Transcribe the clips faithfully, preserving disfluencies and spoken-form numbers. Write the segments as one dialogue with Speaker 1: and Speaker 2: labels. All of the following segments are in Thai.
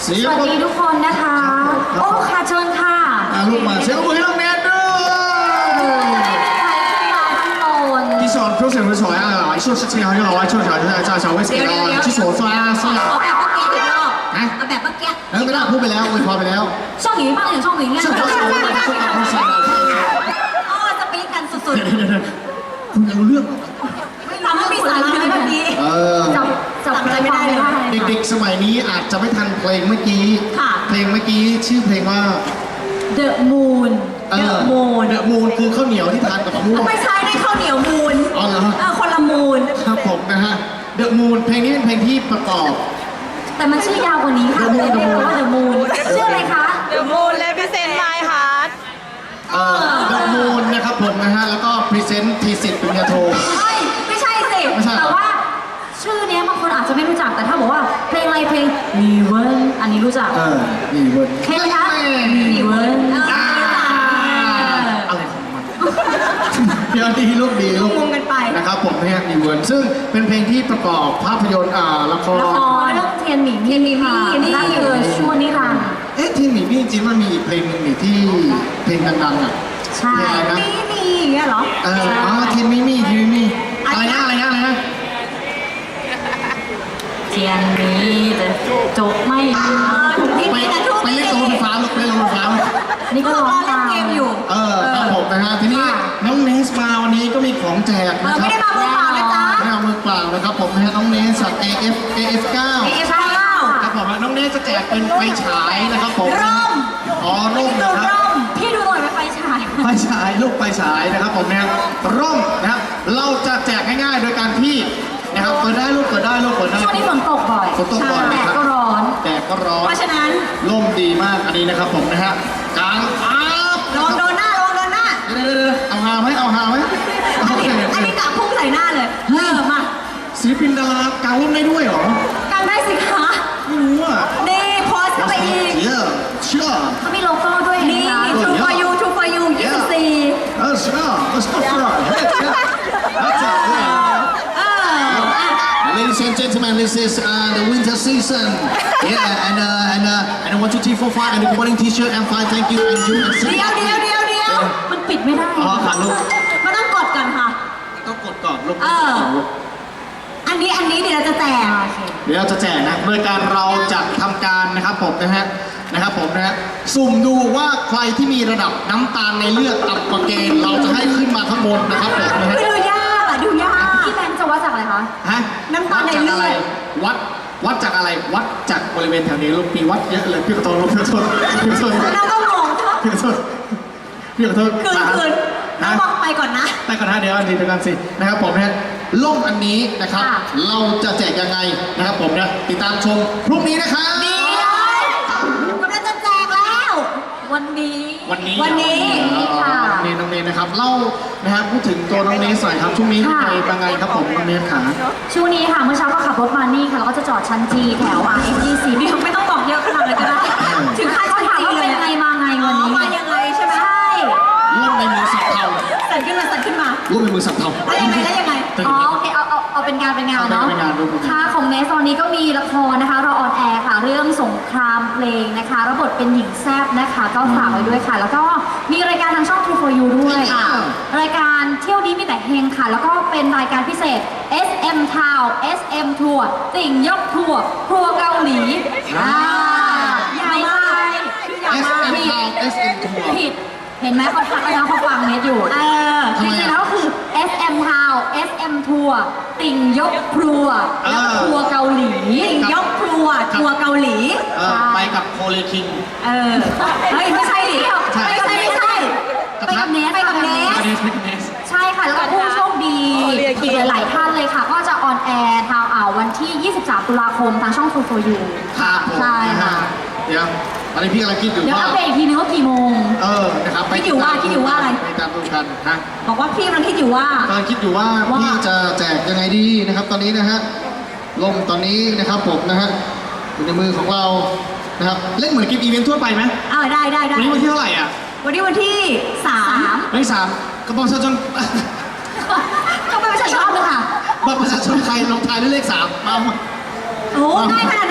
Speaker 1: เสีย
Speaker 2: ส
Speaker 1: ง
Speaker 2: วัส
Speaker 1: ปรบ
Speaker 2: ดีทุกคนนะคะ โอ้ค่ะเชิญค่ะ
Speaker 1: อ่ะลูกมาเสียงปรบมือให้น้องแนทด้วยที่สอนเพื่อเสียงสวยๆอ่ะหลายช่วงชิงเอาที่เราไว้ช่วงเช้าที่อาจารย์ชาวเวสกี้เราที่สวนสวยอ่ะสวย
Speaker 2: เอาแบบเมื่อกี้อีกรอบ
Speaker 1: ฮะ
Speaker 2: เอาแบบเมื่อกี้
Speaker 1: แล้วไม่ได้พูดไปแล้วอวยพรไปแล้ว
Speaker 2: ช่องหนีบ้างอย่างช่องหนีเนี่ย
Speaker 1: ช่วงเช้าช่วงเช้าช่วงเช้าช่วงเช้า
Speaker 2: อ๋อสปีกกันสุด
Speaker 1: คุณจะรู้เรื่อง
Speaker 2: ๆไม่รู้มีสาระไหมเมื่อกี้
Speaker 1: เออ
Speaker 2: จับจับอะไรไม่ได้เลย
Speaker 1: เด็กๆสมัยนี้อาจจะไม่ทันเพลงเมื่อกี้
Speaker 2: ค่ะ
Speaker 1: เพลงเมื่อกี้ชื่อเพลงว่า
Speaker 2: The Moon
Speaker 1: เอ
Speaker 2: The
Speaker 1: อ
Speaker 2: Moon
Speaker 1: The Moon คือข้าวเหนียวที่ทานกับมะม่วง
Speaker 2: ไม่ใช่ได้ข้าวเหนียวมูน
Speaker 1: อ๋อเหรอ
Speaker 2: เออคนละมูน
Speaker 1: ครับผมนะฮะ The Moon เพลงนี้เป็นเพลงที่ประกอบ
Speaker 2: แต่มันชื่อยาวกว่านี้ค่ะ
Speaker 1: The Moon
Speaker 2: เรียกว่า The Moon ชื่ออะไรคะ
Speaker 3: The moon represent my heart
Speaker 1: เอ่อ The Moon นะครับผมนะฮะ แล้วก็พรีเซนต์ทีสิทธิ์ปริญญาโท
Speaker 2: เฮ้ยไม่ใช่สิ
Speaker 1: ไม่ใช่เหรอ
Speaker 2: แต่ว่าชื่อเนี้ยบางคนอาจจะไม่รู้จัก แต่ถ้าบอกว่าเพลงอะไรเพลงมีเวิร์นอันนี้รู้จัก
Speaker 1: เออ นี่เวิร์ด
Speaker 2: เพลงนะมีเวิร์น
Speaker 1: อ่าอะไรของมันเดี๋ยวดีลูกดีลูก
Speaker 2: งงกันไป
Speaker 1: นะครับผมเนี่ยมีเวิร์ดซึ่งเป็นเพลงที่ประกอบภาพยนตร์อ่าละคร
Speaker 2: ละครเรื่องเทียนหมิงเทียนหมิงนี่นั่นคือชั่วนิรันดร์
Speaker 1: เอ๊ะที่หมีพี่จริงๆมันมีอีกเพลงหนึ่งนี่ที่เพลงดังๆอ่ะ
Speaker 2: ใช่
Speaker 1: เพลงอะไรนะ
Speaker 2: นี่นี่อย่างเงี้ยเหรอ
Speaker 1: เอออ๋อทีมมิมี่ทีมมิมี่อะไรนะอะไรนะอะไรนะ
Speaker 2: เทียนหมีแต่จบไม่ดี
Speaker 1: ไปไปเล่นโรงไฟฟ้าลูกเล่นโรงไฟฟ้า
Speaker 2: นี่ก็ร้องตามเกมอยู่
Speaker 1: เออครับผมนะฮะทีนี้น้องเนสมาวันนี้ก็มีของแจก
Speaker 2: เอ
Speaker 1: นะ
Speaker 2: อ
Speaker 1: ค
Speaker 2: ไม่
Speaker 1: รับ
Speaker 2: ได้มามือเปล่านะจ๊ะ
Speaker 1: ไม่เอามือเปล่านะครับผมนะฮะน้องเนสจาก เอ เอฟ เอ เอฟ เก้า
Speaker 2: เอฟเก้า
Speaker 1: ครับผมน้องเนสจะแจกเป็นไฟฉายนะครับผม
Speaker 2: ร่ม
Speaker 1: อ๋อร่ม
Speaker 2: ดู
Speaker 1: นะครับ
Speaker 2: ร่มพี่ดูหน่อยเป็นไฟฉาย
Speaker 1: ไฟฉายลูกไฟฉายนะครับผมนะฮะร่มนะครับเราจะแจกง่ายๆโดยการที่นะครับเปิดได้ลูกเปิดได้ลูกเปิดได้
Speaker 2: ช่วงนี้ฝนตกบ่อย
Speaker 1: ฝนตกบ่อย
Speaker 2: แด
Speaker 1: นะ
Speaker 2: ด
Speaker 1: ครับ
Speaker 2: ก็ร้อน
Speaker 1: แดดก็ร้อน
Speaker 2: เพราะฉะนั้น
Speaker 1: ร่มดีมากอันนี้นะครับผมนะฮะกลางอัพ
Speaker 2: ระวังโดนหน้าระวังโดนหน้า
Speaker 1: เดี๋ยวเดี๋ยวเดี๋ยวเอาหาไหมเอาหาไหม
Speaker 2: อัน
Speaker 1: โอ
Speaker 2: นี้
Speaker 1: เค
Speaker 2: อันนี้กะพุ่งใส่หน้าเลยเออมา
Speaker 1: ศิลปินดารากางร่มได้ด้วยเหรอ
Speaker 2: กันได้สิคะ
Speaker 1: ไม่รู้อ่ะ
Speaker 2: นี่โพสเข้าไปอีก
Speaker 1: เยอะเชื่อ
Speaker 2: เขามีโลโก้ด้วย
Speaker 1: นี่
Speaker 2: True for you True for you ยี่สิบสี่
Speaker 1: เออเชื่อเออเชื่อเชื่อเฮ้ยเชื่อ That's it yeah.
Speaker 2: เอออ่ะ
Speaker 1: Ladies and gentlemen, this is uh, the winter season. Yeah, and uh, and uh, and one, two, three, four, five, and the morning T-shirt and five. Thank you, and you, and
Speaker 2: เดี๋ยวเดี๋ยวเดี๋ยวเดี๋ยวมันปิดไม่ได้
Speaker 1: อ๋อค่ะลูก
Speaker 2: มันต้องกดก่อนค่ะ
Speaker 1: ต้องกดก่อนลูก
Speaker 2: เออ อันนี้อันนี้เดี๋ยวเราจะแจก
Speaker 1: เดี๋ยวเราจะแจกนะโดยการเราจะทำการนะครับผมนะฮะนะครับผมนะฮะสุ่มดูว่าใครที่มีระดับน้ำตาลในเลือดต่ำกว่าเกณฑ์เราจะให้ขึ้นมาข้างบนนะครับผมนะฮะ
Speaker 2: ดูยากอ่ะดูยากพี่แบงค์จะวัดจากอะไรคะ
Speaker 1: ฮะ
Speaker 2: น้ำตาลในเลือด
Speaker 1: วัดวัดจากอะไรวัดจากบริเวณแถวนี้ลูกมีวัดเยอะเลยพี่ขอโทษลูกพี่ขอโทษพี่ขอโทษ
Speaker 2: เราก็งงใช่ไหม
Speaker 1: พี่ขอโทษพี่ขอโทษ
Speaker 2: คืนคืน
Speaker 1: ฮะ
Speaker 2: ต้องบอกไปก่อนนะ
Speaker 1: ไปก่อนนะเดี๋ยวอันนี้เดี๋ยวกันสินะครับผมนะล่มอันนี้นะครับ
Speaker 2: ค่ะ
Speaker 1: เราจะแจกยังไงนะครับผมนะติดตามชมพรุ่งนี้นะครับ
Speaker 2: ดีเลยกำลังจะแจกแล้ว วันนี้
Speaker 1: วันนี้
Speaker 2: วันนี้
Speaker 1: อ๋อ
Speaker 2: ค่ะ
Speaker 1: น้องเนยน้องเนยนะครับเล่านะครับพูดถึงตัวน้องเนยหน่อยครับช่วงนี้
Speaker 2: ค่ะ
Speaker 1: ไปเป็นไงครับผมน้องเนยขา
Speaker 2: ช่วงนี้ค่ะเมื่อเช้าก็ขับรถมานี่ค่ะแล้วก็จะจอดชั้นจีแถว อาร์ เอส ยี่สิบนี่ไม่ต้องบอกเยอะขนาดเลยก็ได้ ถึงขั้นเขาถามว่าเป็นไงมาไงวันนี้มายังไงใช่ไหมใช่
Speaker 1: ล่มในมือสับเทา
Speaker 2: สั่นขึ้นมาสั่นขึ้นมา
Speaker 1: ล่มในมือสับเทา
Speaker 2: แล้วยังไงแล้วยังไง อ๋อโอเคเอาเอาเอาเป็นงานเป็นงานเนาะ
Speaker 1: เอาเป็นงานดูเป็นงาน
Speaker 2: ค่ะของเนสตอนนี้ก็มีละครนะคะรอออนแอร์ค่ะ เรื่องสงครามเพลงนะคะรับบทเป็นหญิงแซบนะคะ ก็ฝากไว้ด้วยค่ะ แล้วก็มีรายการทางช่อง True for You ด้วย
Speaker 1: ค่ะ
Speaker 2: รายการเที่ยวนี้มีแต่เฮงค่ะ แล้วก็เป็นรายการพิเศษ เอส เอ็ม Town เอส เอ็ม Tour ติ่งยกทัวร์ครัวเกาหลีอ่ายาวมากชื่อยาว
Speaker 1: เอส
Speaker 2: มาก
Speaker 1: เอ็ม
Speaker 2: ผิด
Speaker 1: ทาวเอสเอ็มทัวร์
Speaker 2: ผิด เห็นไหมเขาฟังแล้วเขาฟังเน็ตอยู่ เออ
Speaker 1: ทำ
Speaker 2: จ
Speaker 1: ไม
Speaker 2: ริงๆ
Speaker 1: อ่ะ
Speaker 2: แล้วก็คือ เอส เอ็ม Town เอส เอ็ม Tour ติ่งยกครัว
Speaker 1: เออ
Speaker 2: แล้วครัวเกาหลีติ่งยกครัวทัวร์เกาหลี
Speaker 1: เออไปกับโคเลคิง
Speaker 2: เออ เฮ้ยไม่ใช่ดิ
Speaker 1: ใช่
Speaker 2: ไม่ใช่ไม่ใช่ไปกับเนสไปกับเนส
Speaker 1: เนสเนส
Speaker 2: ใช่ค่ะ แล้วก็ผู้โชคดีอีกหลายๆท่านเลยค่ะ ก็จะออนแอร์ทางอ่าวันที่ ยี่สิบสาม ตุลาคมทางช่อง True for You
Speaker 1: ครับผม
Speaker 2: ใช่ค่ะ
Speaker 1: เดี๋ยวตอนนี้พี่กำลังคิดอยู่
Speaker 2: เดี๋ยว
Speaker 1: ว่า
Speaker 2: อัปเดตอีกทีนึงว่ากี่โมง
Speaker 1: เออนะครับไป
Speaker 2: คิดอยู่ว่าคิดอยู่ว่าอะไร
Speaker 1: ไปตามดูกันฮะ
Speaker 2: บอกว่าพี่กำลังคิดอยู่ว่า
Speaker 1: กำลังคิดอยู่ว่า
Speaker 2: ว่า
Speaker 1: พี่จะแจกยังไงดีนะครับตอนนี้นะฮะลมตอนนี้นะครับผมนะฮะอยู่ในมือของเรานะครับเล่นเหมือนกิฟต์อีเวนต์ทั่วไปไหม
Speaker 2: อ่าได้ได้ได้
Speaker 1: วันนี้วันที่เท่าไหร่อ่ะ
Speaker 2: วันนี้วันที่สาม
Speaker 1: วันที่สามกระบอกประชาชน
Speaker 2: ก็ไม่ใช่ชอบเลยค่ะ
Speaker 1: บัตรประชาชนไทยลงท้ายด้วยเลขสามมามา
Speaker 2: โอ้ง่ายขนาดนั้นเลยเหรอ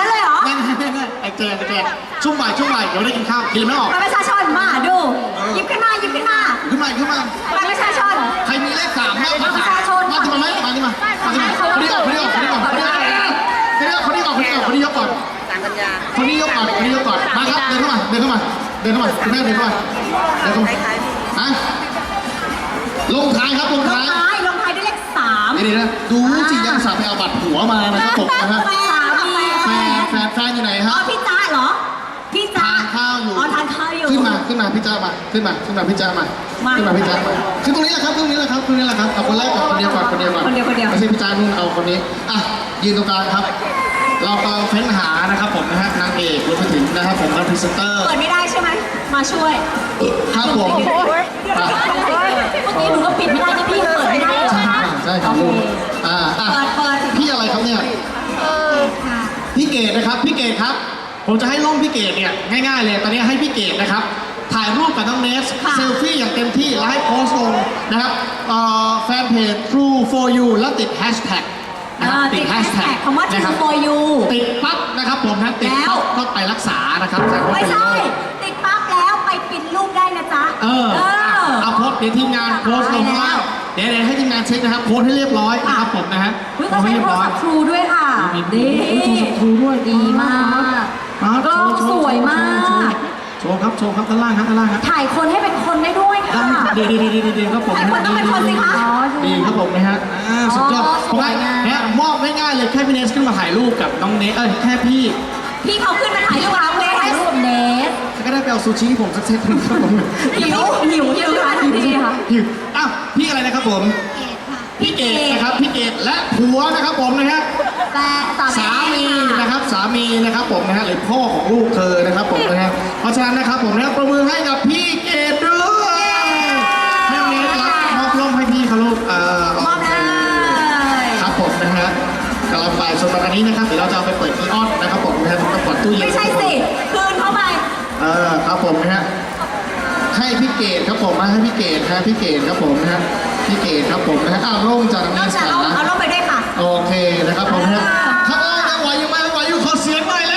Speaker 1: ง่ายๆไอ้แจกไอ้แจกช่วงบ่ายช่วงบ่ายเดี๋ยวได้กินข้าวกินไม่ออก
Speaker 2: บัตรประชาชนมาดูหยิบขึ้นมาหยิบขึ้นมา
Speaker 1: ขึ้นมาขึ้นมา
Speaker 2: บัตรประชาชน
Speaker 1: ใครมีเลขสามบ้าง
Speaker 2: บัตรประชาชน
Speaker 1: มาที่มาไหมมาที่มามาที่มาคนนี้ออกคนนี้ออกคนนี้ออกคนนี้ออกคนนี้ออกคนนี้ออกคนนี้ยกก่อนคนนี้ยกก่อนคนนี้ยกก่อนมาครับเดินเข้ามาเดินเข้ามาเดินเข้ามาคุณแม่เดินเข้ามาเดินเข้ามาฮะลงท้ายครับลง
Speaker 2: ลง
Speaker 1: ท้าย
Speaker 2: ท้ายลงท้ายด้วยเลขสาม
Speaker 1: นี่นะดูสิยังสาไปเอาบัตรผัวมานะครับผมนะครับ
Speaker 2: สามี
Speaker 1: แฟนแฟนแฟนอยู่ไหนค
Speaker 2: อ๋
Speaker 1: รั
Speaker 2: อบ พี่จ้าเหรอพี่จ้า
Speaker 1: ทานข้าวอยู่
Speaker 2: อ๋อทานข้าวอยู่
Speaker 1: ขึ้นมาขึ้นมาพี่จ้ามาขึ้นมาขึ้นมาพี่จ้ามา
Speaker 2: มา
Speaker 1: ขึ้นมาพี่จ้ามาขึ้นตรงนี้แหละครับตรงนี้แหละครับตรงนี้แหละครับเอาคนแรกก่อนคนเดียวก่อนคนเดียวก่อน
Speaker 2: คนเดียวคนเดียว
Speaker 1: ไม่ใช่พี่จ้านู่นเอาคนนี้อ่ะยืนตรงกลางครับ เรากำลังเฟ้นหานะครับผมนะฮะนางเอกรวมไปถึงนะครับผมนักพรีเซนเตอร์
Speaker 2: เปิดไม่ได้ใช่ไหมมาช่วย
Speaker 1: ครับผมอ่ะ
Speaker 2: เมื่อกี้หนูก็ปิดไม่ได้นะพี่เปิดไม่ได้เหรอ
Speaker 1: ใช่
Speaker 2: คะ
Speaker 1: ใช่ครับอ่าอ่ะ
Speaker 2: เปิดเปิด
Speaker 1: พี่อะไรครับเนี่ย
Speaker 2: ค่ะ
Speaker 1: พี่เกดนะครับพี่เกดครับ ผมจะให้ล่มพี่เกดเนี่ยง่ายๆเลยตอนนี้ให้พี่เกดนะครับ ถ่ายรูปกับน้องเนสเซลฟี่อย่างเต็มที่แล้วให้โพสต์ลงนะครับเอ่อแฟนเพจ True for you แล้วติดแฮชแท็กนะครับ
Speaker 2: ติดแฮชแท็กคำว่า
Speaker 1: นะครั
Speaker 2: True
Speaker 1: บ
Speaker 2: for you
Speaker 1: ติดปั๊บนะครับผมนะติด
Speaker 2: แล้ว
Speaker 1: ปั๊บก็ไปรักษานะครับแต่ว่า
Speaker 2: ไม่
Speaker 1: เป็น
Speaker 2: ใช่
Speaker 1: โรค
Speaker 2: ติดปั๊บแล้วไปปิดรูปได้นะจ๊ะ
Speaker 1: เออ
Speaker 2: เออ
Speaker 1: เอาโพสต์เดี๋ยวทีมงานโพสต์ลง
Speaker 2: ได้แล้
Speaker 1: แล้ว วเดี๋ยวเดี๋ยวให้ทีมงานเช็คนะครับโพสต์ให้เรียบร้อยนะครับผมนะฮะ
Speaker 2: เฮ้ย
Speaker 1: โพ
Speaker 2: เขา
Speaker 1: สต์
Speaker 2: ใช้
Speaker 1: ให้เรีย
Speaker 2: โท
Speaker 1: บ
Speaker 2: ร
Speaker 1: ร้อย
Speaker 2: ศัพท์ทรูด้วยค่ะ
Speaker 1: มี
Speaker 2: ดี
Speaker 1: โทรศัพท์ True ด้วย
Speaker 2: ดีมาก
Speaker 1: อ่ะ
Speaker 2: กล้อง
Speaker 1: โช
Speaker 2: สวยมาก
Speaker 1: โชว์ครับโชว์ครับด้านล่างครับด้านล่างครับ
Speaker 2: ถ่ายคนให้เป็นคนได้ด้วยค่ะ
Speaker 1: ดีดีดีดีดีครับผม
Speaker 2: ถ่ายคนต้องเป็นคนสิคะ
Speaker 1: ดีครับผมนะฮะอ่าสุดยอด
Speaker 2: อ๋อ
Speaker 1: ผมว่า
Speaker 2: สวยงาม
Speaker 1: เนี่ยมอบง่ายๆเลยแค่พี่เนสขึ้นมาถ่ายรูปกับน้องเนสเอ้ยแค่พี่
Speaker 2: พี่เขาขึ้นมาถ่ายรูปเราเลยถ่ายรูปเนส
Speaker 1: ก็ได้ไปเอาซูชิให้ผมสักเซตหนึงครับผม
Speaker 2: หิวหิวหิวค่ะทันทีค่ะ
Speaker 1: หิวอ้าวพี่อะไรนะครับผมพี่เกดนะครับพี่เกดและผัวนะครับผมนะฮะ
Speaker 2: แต่สา
Speaker 1: สามี
Speaker 2: ค่ะ
Speaker 1: นะครับสามีนะครับผมนะฮะหรือพ่อของลูกเธอนะครับผมนะฮะเพราะฉะนั้นนะครับผมนะประมือให้กับพี่เกดด้วยให้เนสรับมอบร่มให้พี่เขาลูกเอ่อ
Speaker 2: มอบเลย
Speaker 1: ครับผมนะฮะกำลังไปส่วนวันนี้นะครับเดี๋ยวเราจะเอาไปเปิดอีออนนะครับผมนะฮะต้องเปิดตู้เย็น
Speaker 2: ไม่ใช่สิคืนเข้าไป
Speaker 1: เออครับผมนะฮะให้พี่เกดครับผมมาให้พี่เกดฮะพี่เกดครับผมนะฮะพี่เกดครับผมนะฮะอ้าวร่มจากน้อง
Speaker 2: น
Speaker 1: เน
Speaker 2: อก
Speaker 1: ส
Speaker 2: จาก
Speaker 1: ขา
Speaker 2: เอาเอาลงไปด้วยค่ะ
Speaker 1: โอเคนะครับผมนะฮะข้างล่างยังไหวอยู่ไหมยังไหวอยู่ขอเสียงหน่อยเลย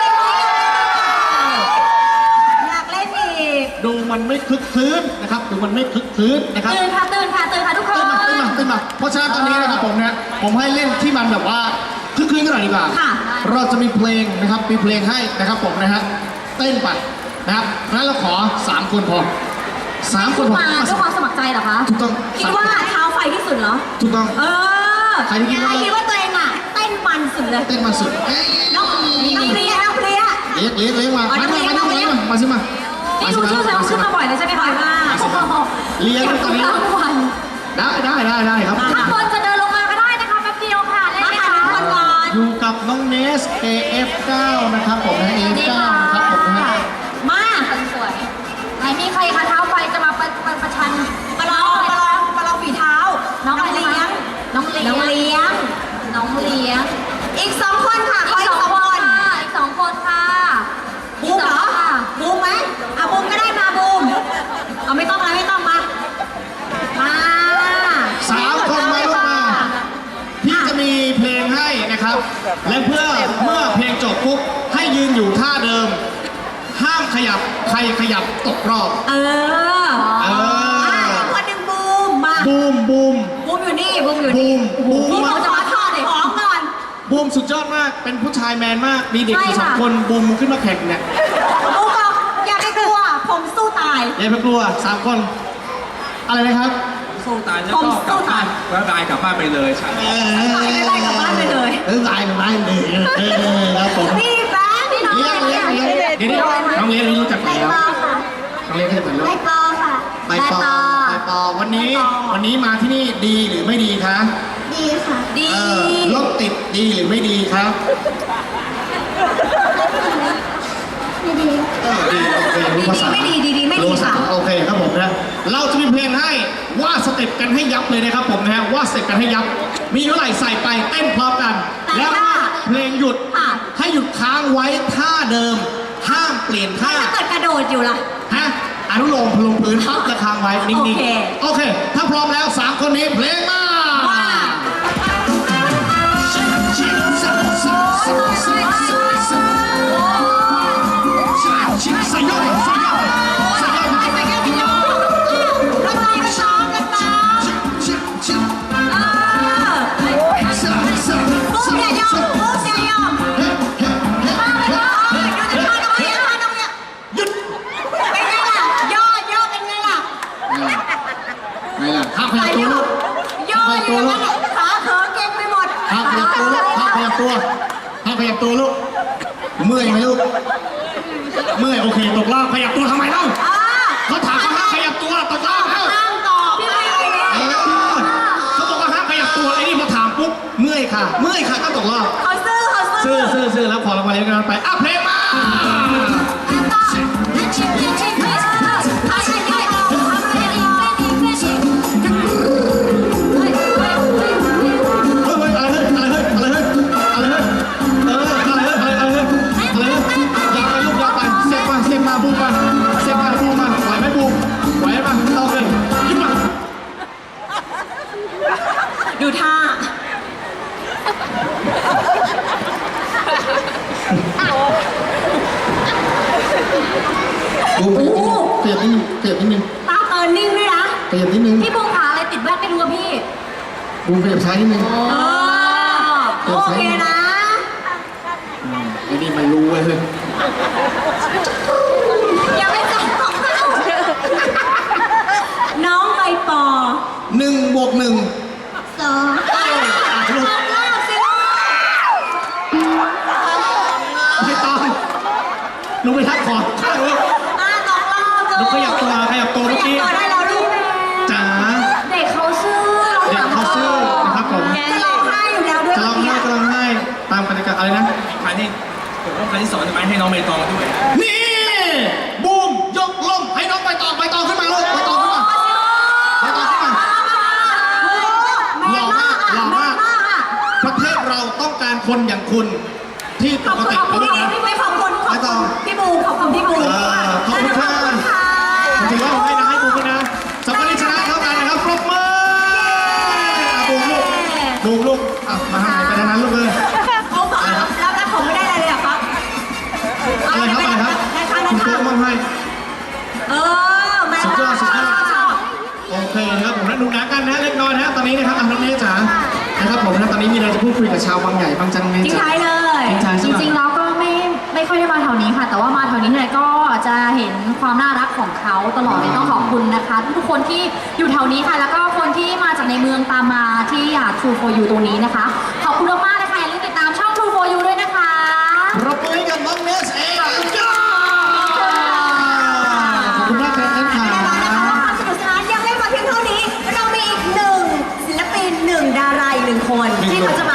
Speaker 2: อยากเล่นอีก
Speaker 1: ดูมันไม่คึกคืนนะครับดูมันไม่คึกคืนนะครับ
Speaker 2: ตื่นค่ะตื่นค่ะตื่นค่ะทุกคน
Speaker 1: ขึ้นมาขึ้นมาขึ้นมาเพราะฉะนั้นตอนนี้นะครับผมนะผมให้เล่นที่มันแบบว่าคึกคืนกันหน่อยดีกว่า
Speaker 2: ค่ะ
Speaker 1: เราจะมีเพลงนะครับมีเพลงให้นะครับผมนะฮะเต้นไปนะครับงั้นเราขอสามคนพอสามคนพอ
Speaker 2: มาด้วยความสมัครใจเหรอคะ
Speaker 1: ถูกต้อง
Speaker 2: คิดว่าเท้าไฟที่สุดเหรอ
Speaker 1: ถูกต้อง
Speaker 2: เออ
Speaker 1: ใครที่คิดว่า
Speaker 2: ใครคิดว่าตัวเองอ่ะเต้นมันสุดเลย
Speaker 1: เต้นมาสุดเอ้ย
Speaker 2: น้องน้องเพลียน้องเพลีย
Speaker 1: เลี้ยงเลี้ยงเลี้ยงมา
Speaker 2: อ๋อ
Speaker 1: มา
Speaker 2: น้อง
Speaker 1: มา
Speaker 2: เลี้ยง
Speaker 1: มา
Speaker 2: น้องเลี้ยง
Speaker 1: มาสิมา
Speaker 2: นี่ดูชื่อแสดงว่าขึ้นมาบ่อยเลยใช่ไหมคะว่า
Speaker 1: เลี้ยงตอนนี้
Speaker 2: ทุกวัน
Speaker 1: ได้ได้ได้ได้ครับ
Speaker 2: ถ้าคนจะเดินลงมาก็ได้นะคะแป๊บเดียวค่ะเล่นไหมคะทุกคนก่อน
Speaker 1: อยู่กับน้องเนส เอ เอฟ เก้า นะครับผมนะ เอ เอฟ เก้า นะครับผมนะฮะ
Speaker 2: มาคนสวยไหนมีใครคะเท้าไฟจะมาประประประชันประลองประลองประลองฝีเท้า น้องเลี้ยงน้องเลี้ยงน้องเลี้ยงน้องเลี้ยง อีกสองคนค่ะขออีกสองคนอีกสองคนค่ะบูมเหรอบูมไหมอ่ะบูมก็ได้มาบูมเอาไม่ต้องแล้วไม่ต้องมามา
Speaker 1: สามคนมาลูกมา พี่จะมีเพลงให้นะครับ และเพื่อเมื่อเพลงจบปุ๊บให้ยืนอยู่ท่าเดิม ห้ามขยับใครขยับตกรอบ
Speaker 2: เออ
Speaker 1: เออ
Speaker 2: อ่ะอีกคนหนึ่งบูมมา
Speaker 1: บูมบูม
Speaker 2: บูมอยู่นี่บูมอยู่
Speaker 1: บู
Speaker 2: นี่
Speaker 1: มบูม
Speaker 2: พี่เขาจะมาทอดเลยของก่อน
Speaker 1: บูมสุดยอดมาก เป็นผู้ชายแมนมาก มีเด็กอยู่
Speaker 2: ใช่
Speaker 1: สอง
Speaker 2: ค่ะ
Speaker 1: คนบูมขึ้นมาแข่งเนี่ย
Speaker 2: บูมบอกอย่าไปกลัวผมสู้ตาย
Speaker 1: อย่าไปกลัวสามคน อะไรนะครับ
Speaker 4: สู้ตายแล้วก็กลับบ้านแล้วตายกลับบ้านไปเลยใช่
Speaker 1: เออ
Speaker 2: ไม่ได้กลับบ้านไปเลย
Speaker 1: เออตายกลับบ้านเลยเออครับผม
Speaker 2: นี่แฟนพี่น้อง
Speaker 1: เลี้ยงเลี้ยงเลี้ยงเดี๋ยวนี้น้องเลี้ยงนี่รู้จัก
Speaker 2: ใบ
Speaker 1: ไหมแล้ว
Speaker 2: ปอค่ะ
Speaker 1: น้องเลี้ยงเคยเปิดรู
Speaker 2: ใบ
Speaker 1: ป
Speaker 2: ปอค่ะ
Speaker 1: ใบปอใบปอวันนี้วันนี้มาที่นี่ดีหรือไม่ดีคะ
Speaker 2: ดีค่ะ ดี
Speaker 1: เออรถติดดีหรือไม่ดีครับ
Speaker 2: ไม่ดี
Speaker 1: เออดีโอเครู้ภาษา
Speaker 2: ดีไม่ดีดีดีไม่ดี
Speaker 1: รู้ภาษา
Speaker 2: ค่ะ
Speaker 1: โอเคครับผมนะเราจะมีเพลงให้ว่าสเต็ปกันให้ยับเลยนะครับผมนะฮะว่าสเต็ปกันให้ยับ มีเท่าไหร่ใส่ไปเต้นพร้อมกัน แล้วเพลงหยุด
Speaker 2: ค่ะ
Speaker 1: ให้หยุดค้างไว้ท่าเดิม ห้ามเปลี่ยนท่า
Speaker 2: ถ้าเกิดกระโดดอยู่ล่ะ
Speaker 1: ฮะอนุโลมลงพื้นปั๊บจะค้างไว้นิ่ง
Speaker 2: โอเค
Speaker 1: ๆโอเค ถ้าพร้อมแล้วสามคนนี้เพลงมา
Speaker 2: ว่า
Speaker 1: ชิชิชิชิชิชิชิเมื่อยโอเคตกรอบขยับตัวทำไมเล่า
Speaker 2: อ่า
Speaker 1: เขาถามเขาห้ามขยับตัวตกรอบเอ้า
Speaker 2: ห้ามตอบพี่ไม่เลยเนี่ย
Speaker 1: เออเขาบอกว่าห้ามขยับตัวไอ้นี่พอถามปุ๊บเมื่อยค่ะ เมื่อยค่ะก็ตกรอบ
Speaker 2: เขาซื่อเขาซื่
Speaker 1: ซื้อซื้อซื้อแล้วขอรางวัลเล็กน้อยไปอ่ะเพลงมา เฮ้ยอะไรเฮ้ยอะไรเฮ้ยอะไรเฮ้ยอะไรเฮ้ยเอออะไรเฮ้ยอะไรเฮ้ยอะไรเฮ้ยยาวไปลูกยาวไปเซฟมาเซฟมาบูมมาเซฟมาบูมมาไหวไหมบูมไหวไหมเอาเลยยิ้มมา
Speaker 2: ดูท่า
Speaker 1: บูมเขยับนิดนึงเขยับนิดนึง
Speaker 2: ตาเติร์นนิ่งด้วยนะ
Speaker 1: เขยับนิดนึง
Speaker 2: พี่บูมขาอะไรติดแว่นไม่รู้อะพี่
Speaker 1: บูมขยับซ้ายนิดนึง
Speaker 2: เออโอเคนะ
Speaker 1: ไอ้นี่มันรู้เว้ยเฮ้ย
Speaker 2: อย่าไปจับของเขาน้องใบปอ
Speaker 1: หนึ่งบวกหนึ่ง
Speaker 2: สองรอบสิลูก
Speaker 1: ไม่ต้องหนูไปทักขอข้างลูก
Speaker 2: อ่ะสองรอบ
Speaker 1: หนูขยับตัวขยับตัวเมื่อกี้
Speaker 2: ขยับตัวได้แล้วลูก
Speaker 1: จ๋า
Speaker 2: เด็กเขาซื่อ
Speaker 1: เด็กเขาซื่อนะครับผม
Speaker 2: จะร้องไห้อยู่แล้วด้วย
Speaker 1: จะร้องไห้จะร้องไห้ตามกติกาอะไรนะ
Speaker 4: ครั้งที่ผมว่าครั้งที่สองจะไปให้น้องใบตองด้วย
Speaker 1: นี่บูมยกลมให้น้องใบตองใบตองขึ้นมาลูกใบตองขึ้นมาใบตองขึ้นมาหล่อมากหล่อมากประเทศเราต้องการคนอย่างคุณที่ป
Speaker 2: ขอบ
Speaker 1: ก
Speaker 2: คุณ
Speaker 1: ติ
Speaker 2: ขอบ
Speaker 1: เขา
Speaker 2: คุณ
Speaker 1: ด้วยนะ
Speaker 2: พี่ไม่ขอบคุณขอบ
Speaker 1: ไม่ต้
Speaker 2: คุ
Speaker 1: อง
Speaker 2: ณพี่บูขอบคุณพี่บู
Speaker 1: เออขอบคุณค่ะ ถือว่าผมให้นะให้บูมด้วยนะสำหรับคนที่ชนะเท่ากันนะครับปรบมืออ่ะบูมลูกบูมลูกอ่ะมาให้ไปทางนั้นลูกเลย
Speaker 2: เขาบอกแล้วแล้วผมไม่ได้อะไรเลยเหรอครับ
Speaker 1: อะไรครับอะไรครับ
Speaker 2: ได้ค่ะได้
Speaker 1: คุณ
Speaker 2: ค่ะ
Speaker 1: โก้มอบให้
Speaker 2: เออแม่
Speaker 1: สุดยอดสุดยอด
Speaker 2: ชอบ
Speaker 1: โอเคนะครับผมนะดูหนังกันนะเล็กน้อยนะตอนนี้นะครับอ่ะน้องเนยจ๋านะครับผมนะตอนนี้มีอะไรจะพูดคุยกับชาวบางใหญ่บางจันทร์เนย
Speaker 2: ทิ้ง
Speaker 1: จ๋า
Speaker 2: ท้ายเลย
Speaker 1: ทิ้งท้าย
Speaker 5: จ
Speaker 1: ใช่ไหม
Speaker 5: ริงๆแล้วก็ไม่ไม่ค่อยได้มาแถวนี้ค่ะ แต่ว่ามาแถวนี้เนี่ยก็จะเห็นความน่ารักของเขาตลอดเลยต้องขอบคุณนะคะทุกคนที่อยู่แถวนี้ค่ะ แล้วก็คนที่มาจากในเมืองตามมาที่อ่า True for You ตรงนี้นะคะ ขอบคุณมากๆนะคะอย่าลืมติดตามช่อง True for You ด้วยนะคะ
Speaker 1: ปรบมือให้กับน้องเนสเองขอบคุณมากครับท่านค่ะ
Speaker 2: แน่นอนนะคะว่าความสนุกสนานยังไม่หมดเพียงเท่านี้ เรามีอีกหนึ่งศิลปินหนึ่งดาราอีกหนึ่งคนที่เขาจะมา